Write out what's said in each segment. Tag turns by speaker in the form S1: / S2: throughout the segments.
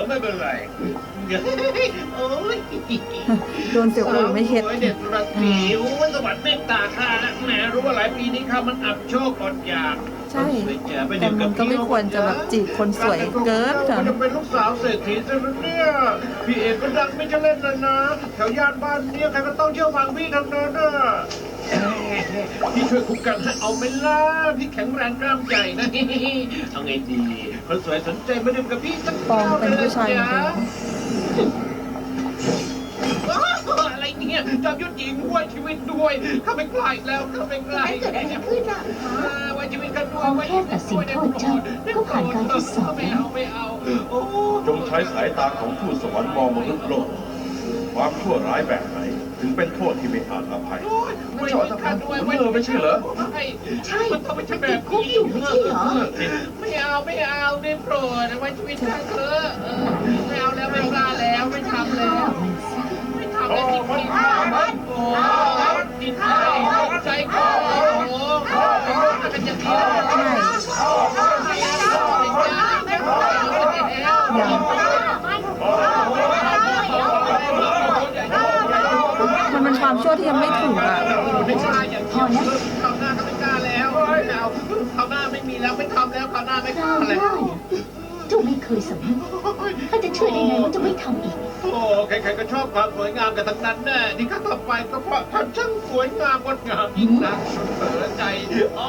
S1: ไม่เป็นไรโอ้ย
S2: โดนเสียวอูไม่เข็ด
S1: โอ้ยเด็กรักผิวสวรรค์เมตตาข้าแหมรู้ว่าหลายปีนี้ข้ามันอับโชคอดอยาก
S2: ใช่
S1: ไป
S2: แต่
S1: ดื่ม
S2: มั
S1: กับ
S2: นก็ไม่ควรจะแบบจีบคนสวยเกิน
S1: มันจะเป็นลูกสาวเศรษฐีซะแล้วเนี่ยพี่เอกก็ดังไม่จะเล่นเลยนะแถวย่านบ้านเนี่ยใครก็ต้องเชื่อฟังพี่ทั้งนั้นน่ะพี่ช่วยคุกกันให้เอาไหม่ล่ะพี่แข็งแรงกล้ามใหญ่นะเอาไงดีคนสวยสนใจมาดื่มกับพี่สัก
S2: ปองเป็นผู้ชายจริง
S1: อะไรเนี่ยจอมยุทธหญิงด้วยชีวิตด้วยข้าไม่กล้าอีกแล้วข้าไม่กล้าอีก
S3: เกิดอะไรขึ้นอ่ะ
S1: ไว้ชีวิตกันด้ว
S3: พ
S1: ย
S3: อแค่ตัดสินโทษเจ้าก็ผ่านการทดสอบ
S1: ไม่
S3: แล้ว
S1: เอาไม่เอาโอ้
S4: จงใช้สายตาของทูตสวรรค์มองมนุษย์โลก ความชั่วร้ายแบบไหน ถึงเป็นโทษที่ไม่อาจอภัย
S1: ไม่ชอบข้าด้วย
S4: ไม่ใช่เหรอ
S3: ใช่
S1: มันต้องไม่ใช่แบ
S3: ติ
S1: บ
S3: ดคุกอยู่ไม่ใช่เหรอ
S1: ไม่เอาไม่เอาได้โปรดไว้ชีวิตข้าเถอะไม่เอาแล้วไม่กล้าแล้วไม่ทำแล้ว
S3: มันซะ
S1: ไม่ทำแล้วจริงๆโอ้จิตใจคอโอ้โหเป็นอย่างนี้
S2: ๆใช่มันเป็นความชั่วที่ยังไม่ถึงอ่ะ
S1: ไม่ใช่อย่างที่คราวหน้าก็ไม่กล้าแล้วไม่เอาคราวหน้าไม่มีแล้วไม่ทำแล้วคราวหน้าไม่ก
S3: ค
S1: ล้าร
S3: าวห
S1: แล้ว
S3: น้าเจ้าไม่เคยสำนึกข้าจะเชื่อได้ไงว่าเจะไม่ทำอีก
S1: โอ้ใครๆก็ชอบความสวยงามกันทั้งนั้นแน่ที่ข้าทำไปก็เพราะท่านช่างสวยงามงดงามยิ่งนักเปิดใจอ๋อ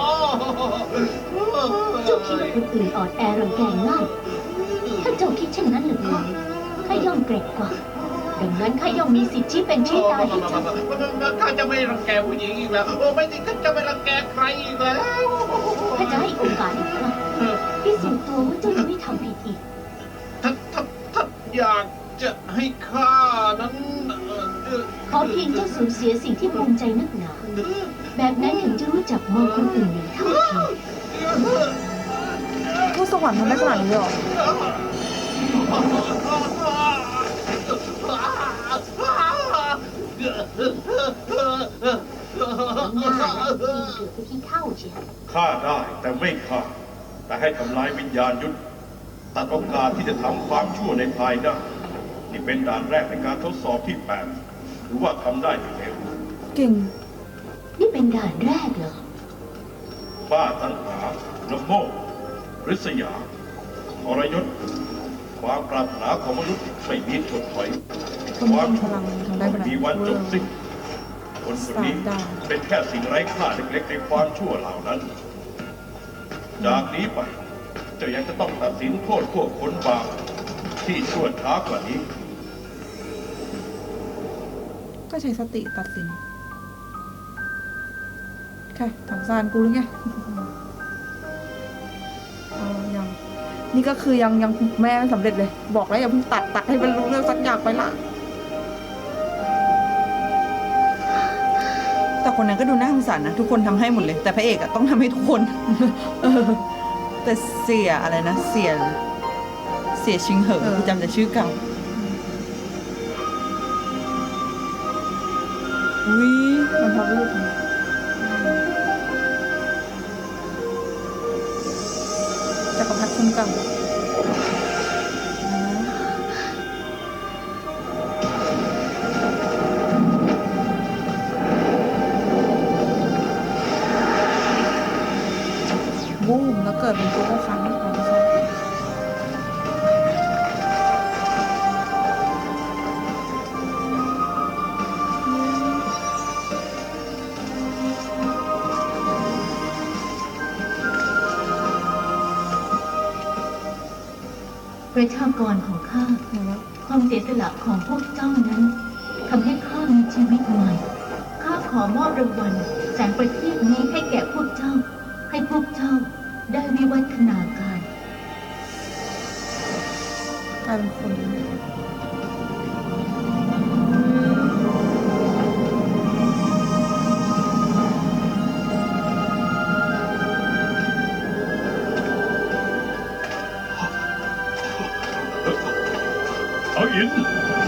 S3: เจ้าคิดว่าคนอื่นอ่อนแอรังแกง่าย ถ้าเจ้าคิดเช่นนั้นหรือก็ข้าย่อมเกรงกว่า ดังนั้นข้าย่อมมีสิทธิ์ชี้เป็นชี้ตายให้เจ้า
S1: ข้าจะไม่รังแกผู้หญิงอีกแล้วโอ้ไม่จริงข้าจะไม่รังแกใครอีกแล้ว
S3: ข้าจะให้โอกาสอีกครั้งพิสูจน์ตัวว่าเจ้าจะไม่ทำผิดอีก
S1: ถ้าอยากจะให้ข้านั้น
S3: ขอเพียงเจ้าสูญเสียสิ่งที่ภูมิใจนักหนา แบบนั้นถึงจะรู้จักมองคนอื่นอย่างเท่าเทียม
S2: ทูตสวรรค์ทำได้ขนาดนี้เลยเหรอ
S3: ง่ายๆกินเกือบไปที่เท่าเชียว
S4: ฆ่าได้แต่ไม่ฆ่า แต่ให้ทำลายวิญญาณยุทธตัดโอกาสที่จะทำความชั่วในภายหน้านี่เป็นด่านแรกในการทดสอบที่8หรือว่าทำได้หรือไม่
S2: เก่ง
S3: นี่เป็นด่านแรกเหรอ
S4: บ้าตัณหาละโมบริษยาทรยศความปรารถนาของมนุษย์ไม่มีถดถอย
S2: คนมีพลังทำได้ขนาด
S4: มี
S2: นี้
S4: วันจบสิ้นคนคนนี้
S2: 3 ดาว
S4: เป็นแค่สิ่งไร้ค่าเล็กๆในความชั่วเหล่านั้น จากนี้ไปเจ้ายังจะต้องตัดสินโทษพวกคนบาปที่ชั่วช้ากว่านี้
S2: ก็ใช้สติตัดสินแค่ถังซานกูหรือไงยังนี่ก็คือยังแม่ไม่สำเร็จเลย บอกแล้วอย่าเพิ่งตัดให้มันรู้เรื่องสักอย่างไปละแต่คนนั้นก็ดูน่าสงสารนะ ทุกคนทำให้หมดเลย แต่พระเอกอะต้องทำให้ทุกคน แต่เสียอะไรนะ เสียชิงเหอกูจำแต่ชื่อเก่าอุ้ยมันทำรูปจักรพรรดิคุ้มกันบูมแล้วเกิดเป็นตัวก็ครั้งของเขา
S3: ประชากรของข้า ความเสียสละของพวกเจ้านั้นทำให้ข้ามีชีวิตใหม่ ข้าขอมอบรางวัลแสงประทีปนี้ให้แก่พวกเจ้า ให้พวกเจ้าได้วิวัฒนาการ
S2: กลายเป็นคน
S4: เอาอิน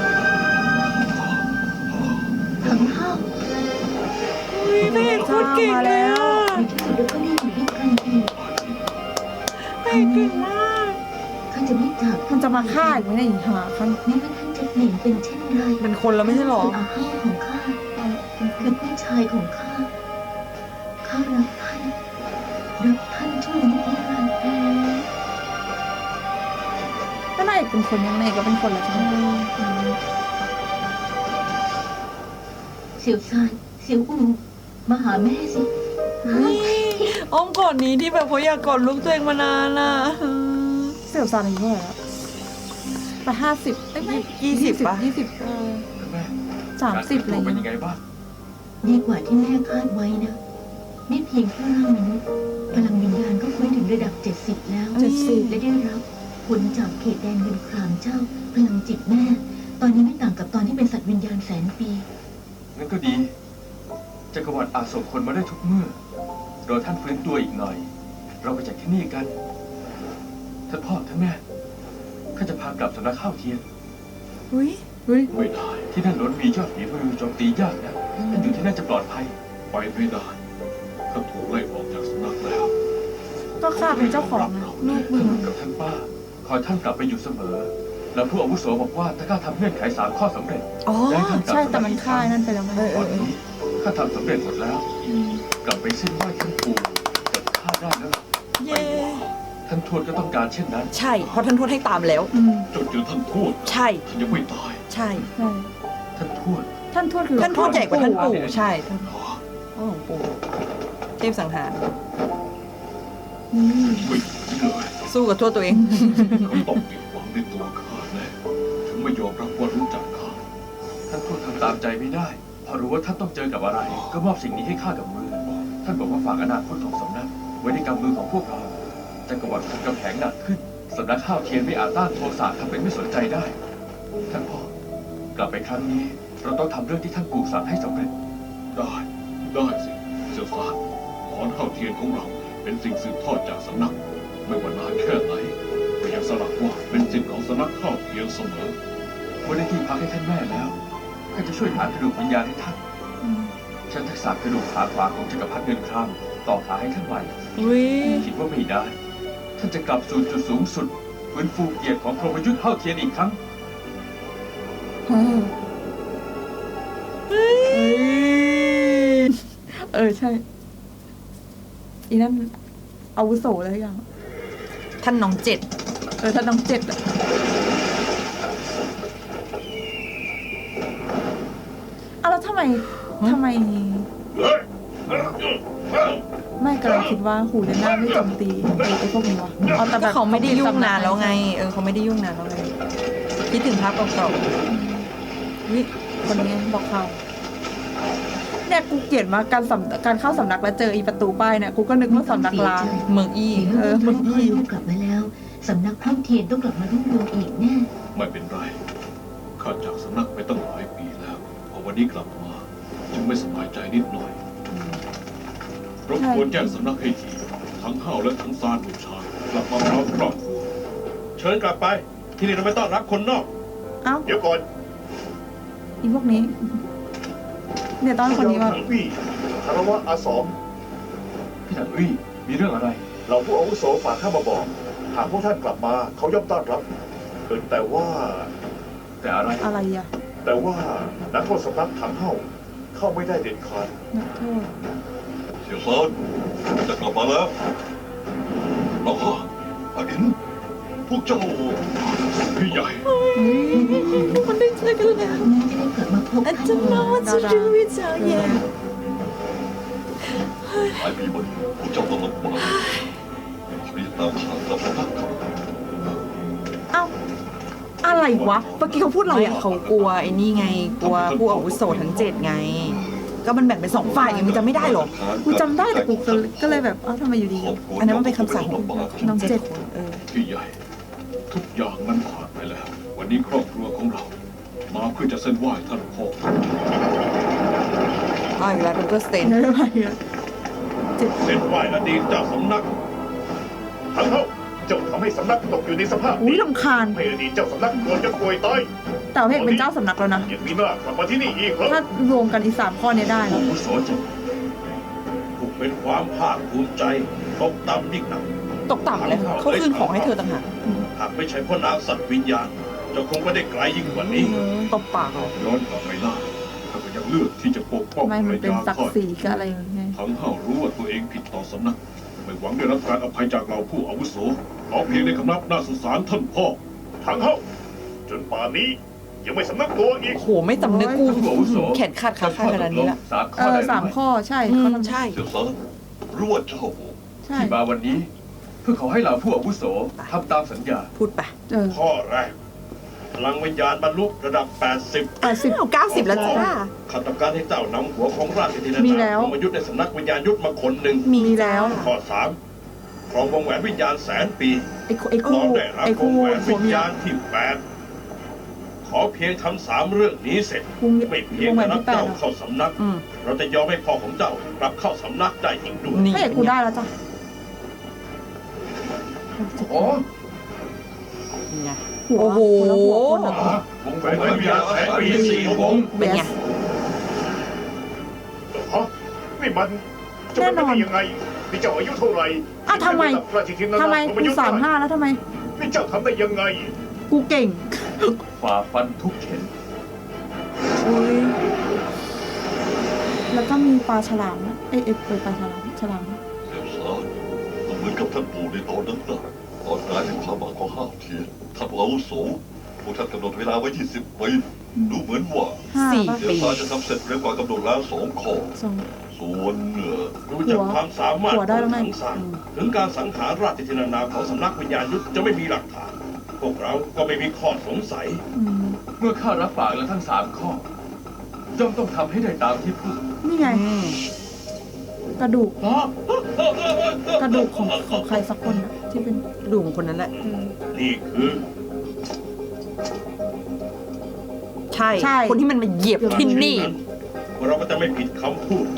S3: ทั้งข้า
S2: พระเอกพูดเก่งเลยอ่ะ
S3: ในที่สุดเราก็ได้อยู่ด้วยกันอีก
S2: พระเอกเก่งมาก
S3: ข้าจะไม่จาก
S2: มันจะมาฆ่าอีกไหมเนี่ยอีหาคัน
S3: แม้ว่าท่านจะเปลี่ยนเป็นเช่นไร
S2: เป็นคนแล้วไม่ใช่หรอ
S3: คืออาห้าของข้าคือพี่ชายของข้าข้ารักท่านช่วยนิรันดร์
S2: ก็นายเป็นคนยังไงก็เป็นคนละใช่ไหม
S3: เสี่ยวซานเสี่ยวอูมาหาแม่สิ
S2: อ้อมกอดนี้ที่แบบเขาอยากกอดลูกตัวเองมานานอ่ะเสี่ยวซานอายุเท่าไหร่แล้วไป50ไม่20ป่ะ20
S4: แม่
S2: 30อะไร
S4: เป็น
S2: เงี้
S4: ยังไง
S2: ย
S4: บ้าง
S3: ดีกว่าที่แม่คาดไว้นะนี่เพียงแค่ร่างมนุษย์พลังวิญญาณก็ฟื้นถึงระดับ 70 แล้ว
S2: 70
S3: และได้รับผลจากเขตแดนเงินครามเจ้า พลังจิตแม่ ตอนนี้ไม่ต่างกับตอนที่เป็นสัตว์วิญญาณแสนปี
S5: งั้นก็ดี จักรวรรดิอาจส่งคนมาได้ทุกเมื่อรอท่านฟื้นตัวอีกหน่อย เราไปจากที่นี่กัน ท่านพ่อท่านแม่ ข้าจะพากลับสำนักข้าวเทียน
S2: อุ้ย
S4: ไม่ได้
S5: ที่นั่นล้วนมียอดฝีมือโจมตียากนะท่านอยู่ที่นั่นจะปลอดภัย
S4: ไปไม่ได้ข้าถูกไล่ออกจากสำนักแล้ว
S2: ก็ข้าเป็นเจ้าของนะลูกมึ
S5: ท่าง นกับท่านป้า คอยท่านกลับไปอยู่เสมอ แล้วผู้อาวุโสบอกว่าถ้าข้าทำเงื่อนไข3 ข้อสำเร็จ
S2: อ๋อ
S5: ได้ท่านกลับ
S2: ใช่
S5: สำนัก
S2: แต่มันฆ่านั่นไปแล้วไง
S5: ตอนนี้ข้าทำสำเร็จหมดแล้ว กลับไปเส้นไหว้ท่านปู่กับข้าได้แล้วล่ะ
S2: เย้
S5: ท่านทวดก็ต้องการเช่นนั้น
S2: ใช่เพราะท่านทวดให้ตามแล้ว
S4: จนเจอท่านทูต
S2: ใช่
S4: ท่านยังไม่ตาย
S2: ใช่
S5: ท่านทวด
S2: ท่านทวดคือท่านทวดใหญ่กว่าท่านปู่ใช่ท่านพ่อของปู่เทพสังหาร
S4: ไม่ถึงเลย
S2: สู้กับทวดตัวเอง
S4: เขาต้องผิดหวังในตัวข้าแน่ถึงไม่ยอมรับว่ารู้จักข้า
S5: ท่านทวดทำตามใจไม่ได้ พอรู้ว่าท่านต้องเจอกับอะไร ก็มอบสิ่งนี้ให้ข้ากับมือ ท่านบอกว่าฝากอนาคตของสำนัก ไว้ในกำมือของพวกเราจักรวรรดิทำกำแพงหนักขึ้นสำนักข้าวเทียนไม่อาจต้านโทสะทำเป็นไม่สนใจได้ ท่านพ่อกลับไปครั้งนี้ เราต้องทำเรื่องที่ท่านปู่สั่งให้สำเร็จ
S4: ได้สิเสี่ยวซานขอนข้าวเทียนของเราเป็นสิ่งสืบทอดจากสำนัก ไม่ว่านานแค่ไหนก็ยังสลักว่าเป็นสิ่งของสำนักข้าวเทียนเสมอ
S5: เมื่อได้ที่พักให้ท่านแม่แล้วข้าจะช่วยหากระดูกวิญญาณให้ท่านใช้ทักษะกระดูกขาขวาของจักรพรรดิเงินครามต่อขาให้ท่านใหม่
S2: อุ้ย
S5: คิดว่าไม่ได้ ท่านจะกลับสู่จุดสูงสุดฟื้นฟูเกียรติของพรหมยุทธ์เท่าเทียนอีกครั้ง
S2: ใช่อีนั่นอาวุโสแล้วยังท่านน้องเจ็ดท่านน้องเจ็ดอะแล้วทำไมไม่กำลังคิดว่าหูเดน่าไม่โจมตีไอ้พวกนี้วะแต่เขาไม่ได้ยุ่งนานแล้วไงเขาไม่ได้ยุ่งนานแล้วไงคิดถึงภาพเก่าๆวิคนนี้บอกเขาเนี่ยกูเกลียดมากการเข้าสำนักแล้วเจออีประตูป้ายเนี่ยกูก็นึกว่าสำนักลางเมืองอี้
S3: เมื่อ
S2: เมื
S3: ท่า
S2: อน ง
S3: พ่อ
S2: อี้
S3: ลูกกลับมาแล้วสำนักข้าวเทียนต้องกลับมารุ่งเรืองอีกแน่
S4: ไม่เป็นไร ข้าจากสำนักไปตั้งหลายปีแล้ว พอวันนี้กลับมา จึงไม่สบายใจนิดหน่อยรบกวนแจ้งสำนักให้ทีทั้งห้าวและทั้งซานบุชากลับมาพร้อมครอบครัวเชิญกลับไป ที่นี่เราไม่ต้อนรับคนนอก
S2: เอ้า
S4: เดี๋ยวก่อน
S2: อีพวกนี้เนี่ยตอนคนนี้มา
S6: วี่คารวะอาสอม
S5: พี่ถังอี้มีเรื่องอะไร
S6: เราผู้อาวุโสฝากข้ามาบอก หากพวกท่านกลับมาเขาย่อมต้อนรับแต่ว่า
S5: แต่อะไร
S2: อะไรอะ
S6: นักโทษสำนักถังเฮ้าเข้าไม่ได้เด็ดขาด
S2: นักโทษ
S4: เสี่ยวซานจะกลับมาแล้วน้องพ่ออดินพวกเจ้าพี่ใหญ่
S2: มันได้เจอกันแล้ว
S3: แม่จะได้กลับมาพบ
S2: อา
S3: ท่าน
S2: จารย์น้องว่าจะรู้วิจารณ์แย่
S4: หลายปีมานี้พวกเจ้าต้องลำบากรีบตามหากลับมาครับ
S2: เอ้าอะไรวะเมื่อกี้เขาพูดอะไรอะเขากลัวไอ้นี่ไงกลัวผู้อาวุโสทั้ง7ไง ก็มันแบ่งเป็น2ฝ่ายไงมันจะไม่ได้หรอกูจำได้แต่กูก็เลยแบบทำไมอยู่ดีอันนั้นมันเป็นคำสั่งของน้อง7
S4: พี่ใหญ่ ทุกอย่างมันผ่านไปแล้ว วันนี้ครอบครัวของเรา มาเพื่อจะเส้นไหว้ท่านพ่อ
S2: อีกแล้วดรสเตน
S3: อะไรอะ
S4: เส้นไหว้อดีตเจ้าสำนัก
S6: ถังเฮ้าเจ้าทำให้สำนักตกอยู่ในสภาพ
S2: อุ้ย
S6: นี้
S2: รำคาญ
S6: ให้อดีตเจ้าสำนักโดนจะป่วยตาย
S2: แต่ว่าเพกเป็นเจ้าสำนักแล้วนะ
S6: ยังมีหน้ากลับมาที่นี่อีกเหรอ
S2: ถ้ารวมกันอี3ข้อนี้ได้
S5: ผู้
S2: นะ
S5: อาวุโสจะ
S4: ถูกเป็นความภาคภูมิใจตกต่ำยิ่งหนัก
S2: ตกต่ำเลยเขาคืนของให้เธอต่างหาก
S6: หากไม่ใช่พ่อนางสัตว์วิญญาณเจะคงไม่ได้ไกลยิ่งกว่านี้
S2: ตบปากเลย
S4: ย้อนกลับไปล่าข้าก็ยังเลือกที่จะปกป้อง
S2: ทำไม
S4: ภร
S2: มั
S4: ร
S2: นเป็น
S4: ยา
S2: ศัก
S4: ข้า
S2: ดิ์ศรีกับอะไรอย่างเงี้ย
S4: ทั้งห้าวรู้ว่าตัวเองผิดต่อสำนัก ไม่หวังได้รับการอภัยจากเราผู้อาวุโสขอเพียงในคำนับหน้าสงสารท่านพ่อ
S6: ทั้งเฮ้าจนป่านนี้ยังไม่สำนึกตัวอีก
S2: โหไม่จำนึกกู
S5: ผู้อาวุโส
S2: แขนขาดขาขาดขนาดนี้ละ
S5: สามข้อได้หรือ
S2: สาม
S5: ไม่
S2: ข้อใช่ ใช่
S7: เสี่ยวซานรู้ว่าเจ้า
S2: ใช่
S5: ที่มาวันนี้ เพื่อขอให้เหล่าผู้อาวุโสทำตามสัญญา
S2: พูดไป
S6: ข้อแรกพลังวิญญาณบรรลุระดับ 80
S2: 90แล้วจ้า
S6: ข้าต้องการให้เจ้านำหัวของราชธินา
S2: มี
S6: ถา
S2: แล้ว
S6: ลงมายุทธในสำนักวิญญาณยุทธมาคนหนึ่ง
S2: มีแล้ว
S6: ข้อ 3ครองวงแหวนวิญญาณแสนปี
S2: ไอ้
S6: พร้
S2: คู่
S6: อมได้รับ
S2: ไอ้
S6: ว
S2: คู่
S6: งแหวน
S2: ผั
S6: วิ
S2: ว
S6: ญ
S2: เมีย
S6: ญาณที่ 8 ขอเพียงทำ3เรื่องนี้เสร็จ
S2: วง
S6: ไม่เพียง
S2: วงแหว
S6: แต่
S2: น
S6: รับ
S2: ที่แปด
S6: เจ้า
S2: อะ
S6: เข้าสำนัก เราจะยอมให้พ่อของเจ้ากลับเข้าสำนักได้อีกด้วย
S2: นี่
S8: พระเอกกูได้แล้วจ้ะ
S5: โอ้
S2: ไง
S8: หัว
S2: โอ้โห
S8: คนละหัวคนละ
S5: วงแหวนวิญญาณแสนปี4 วง
S2: เป็นไง
S6: ฮะนี่มันจะเป็นไปได้ยังไงนี่เจ้าอายุเท่าไหร่
S8: อ่ะทำไม
S6: ราชธินาถ
S8: ทำไม
S6: ลง
S8: กู
S6: ยุทธ
S8: 35แล้วทำไม
S6: นี่เจ้าทำได้ยังไง
S8: กูเก่ง
S5: ฝ่าฟันทุกเข็น
S8: อุ้ยแล้วก็มีปลาฉลามนะเอ๊ะปลาฉลามฉลาม
S7: เสี่ยวซานก็เหมือนกับท่านปู่ในตอนนั้นนะตอนกลายเป็นความหวังของห้าวเทียนท่านผู้อาวุโสพวกท่านกำหนดเวลาไว้20 ปีดูเหมือนว่า
S8: 5
S2: สี่
S8: ป่ะ
S7: เสี่ยวซานจะทำเสร็จเร็วกว่ากำหนดแล้ว2 ข้อ
S8: สอง
S7: ส่วน
S6: ดูจากความสามารถ
S8: หัวได้
S6: ข
S8: แล้
S6: อ
S8: ว
S6: ง
S8: ไง
S6: ทั้งสามถึงการสังหารราชธินานาของสำนักวิญญาณยุทธจะไม่มีหลักฐาน พวกเราก็ไม่มีข้อสงสัย
S8: อืม
S5: เมื่อข้ารับปากแล้วทั้ง3 ข้อ ย่อมต้องทำให้ได้ตามที่พูด
S8: นี่ไง กระดูก กระดูกของใครสักคนอะที่เป็น
S2: ดูของคนนั้นแหละ
S6: นี่คือ
S2: ใช่ คนที่มันมาเหยียบที่นี่
S6: เราก็จะไม่ผิดคำพูด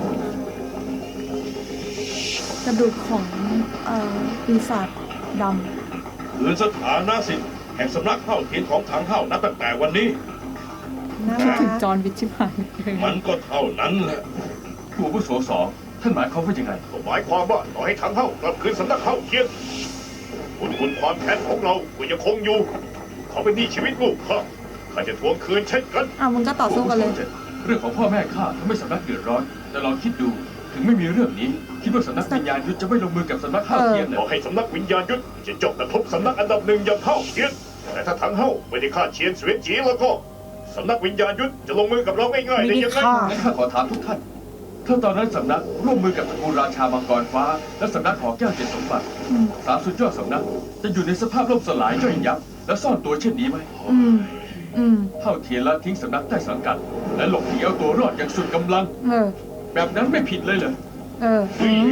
S8: กระดูกของปีศาจด
S6: คือสถานะสิทธิ์แห่งสำนักเข้าเทียนของทางเข้านับตั้งแต่วันนี้
S2: น่า
S8: ำคิด
S2: รั
S8: ถึง
S2: ก
S8: จอห์นวิชชิบหาย
S6: มันก็เท่านั้นแหละ
S5: ผู้อาวุโส2ท่านหมายความว่ายังไง
S6: ก็หมายความว่าต่อให้ทางเข้ากลับคืนสำนักเข้าเทียนคุณความแค้นของเราก็ยังคงอยู่ เขาเป็นหนี้ชีวิตลูกข้าจะทวงคืนเช่นกัน
S8: มึงก็ต่อสู้กันเลย
S5: เรื่องของพ่อแม่ข้าทำให้สำนักเดือดร้อน แต่ลองคิดดู ถึงไม่มีเรื่องนี้ คิดว่าสำนักวิญญาณยุทธจะไม่ลงมือกับสำนักข้าวเทียนเหร
S6: ขอ
S5: อ
S6: ให้สำนักวิญญาณยุทธจะจบกระทบสำนักอันดับ 1อย่างเข้าเทียน แต่ถ้าทางเข้าไม่ได้ฆ่าเชียนเสวียนจีแล้วก็สำนักวิญญาณยุทธจะลงมือกับเราง่ายๆได้ยังไง
S5: งั้นข้าขอถามทุกท่าน ถ้าตอนนั้นสำนักร่วมมือกับตระกูลราชามังกรฟ้า และสำนักหอแก้วเจ็ดสมบัติ
S8: อืม
S5: 3 สุดยอดสำนัก จะอยู่ในสภาพล่มสลายย่อยยับ และซ่อนตัวเช่นนี้ไหม
S8: อืม อืม
S5: เท่าเทียนละทิ้งสำนักใต้สังกัด และหลบหนีเอาตัวรอดอย่างสุดกำลัง
S8: เออ
S5: แบบนั้นไม่ผิดเลยเหรอ
S8: เออ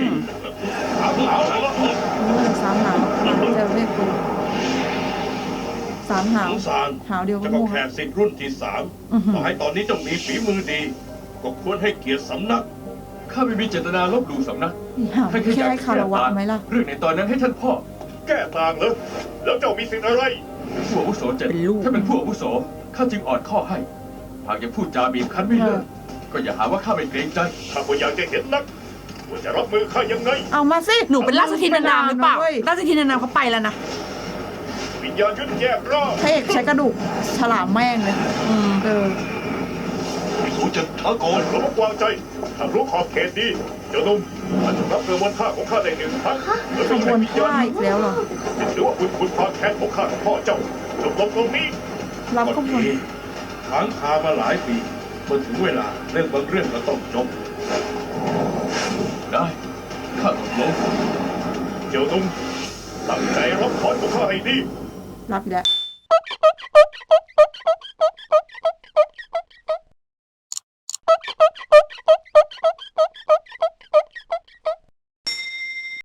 S8: สามหาวจะเรียกกูสามหาว
S6: สงสาร
S8: หาวเดียวก็
S6: จะก็
S8: โง่
S6: แค่สิทธิ์รุ่นที่
S8: อื้อหือ
S6: 3ต่อให้ตอนนี้เจ้ามีฝีมือดี ก็ควรให้เกียรติสำนัก
S5: ข้าไม่มีเจตนาลบหลู่สำนัก
S8: หาวแค่ให้คารวะไหมล่ะ
S5: เรื่องในตอนนั้นให้ท่านพ่อ
S6: แก้ต่างเหรอแล้วเจ้ามีสิทธิ์อะไร
S5: ผู้อาวุโส7
S2: เป็นลูก
S5: ถ้าเป็นผู้อาวุโสข้าจึงอ่อนข้อให้ หากยังพูดจาบีบคั้นไม่เลิกก็อย่าหาว่าข้าไม่เกรงใจ
S6: ข้าก็อยากจะเห็นนักว่าจะรับมือข้ายังไง
S8: เอามาสิ
S2: หนูเป็นราชธินานามหรือเปล่า
S8: ว้ย
S2: ราชธินานามเขาไปแล้วนะ
S6: วิญญาณยุทธแยกร่าง
S8: พระเอกใช้กระดูกฉลามแม่งเลย เออ
S7: สูจะช้าก่อน
S6: ระมัดวางใจถ้ารู้ขอบเขตดีเจ้าหนุ่มท่านจะรับเงินวันค่าของข้าได้1 ครั้งและ
S8: ข
S6: ไม่
S8: บ
S6: ใช่
S8: วน
S6: วิญญา
S8: ท่า
S6: ณ
S8: อีกแล้วเหรอ
S6: หรือว่าคุณความแค้นของข้ากับพ่อเจ้าจบลงตรงนี้
S8: รับขบวน
S6: ค้างคามาหลายปีเมื่อถึงเวลาเรื่องบางเรื่องก็ต้องจบ
S5: ได้ข้าตกลง
S6: เจ้าหนุ่มตั้งใจรับพรของข้าให้ดี
S8: รับอีกแล้ว